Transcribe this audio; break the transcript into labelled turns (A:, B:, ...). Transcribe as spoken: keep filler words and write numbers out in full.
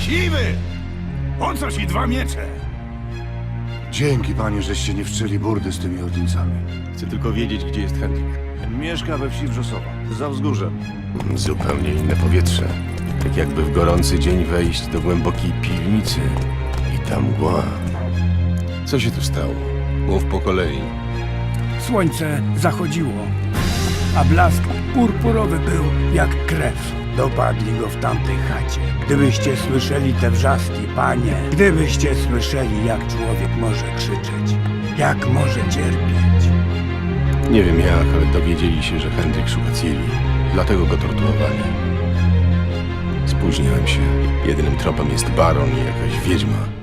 A: Siwy! Po co ci dwa miecze?
B: Dzięki, panie, żeście nie wszczęli burdy z tymi ordyńcami.
C: Chcę tylko wiedzieć, gdzie jest Hendrik.
B: Mieszka we wsi Wrzosowa, za wzgórzem.
C: Zupełnie inne powietrze. Tak jakby w gorący dzień wejść do głębokiej piwnicy i tam mgła. Co się tu stało? Mów po kolei.
D: Słońce zachodziło, a blask purpurowy był jak krew. Dopadli go w tamtej chacie. Gdybyście słyszeli te wrzaski, panie, gdybyście słyszeli, jak człowiek może krzyczeć, jak może cierpieć.
C: Nie wiem jak, ale dowiedzieli się, że Hendrik szuka Ciri. Dlatego go torturowali. Spóźniłem się. Jedynym tropem jest baron i jakaś wiedźma.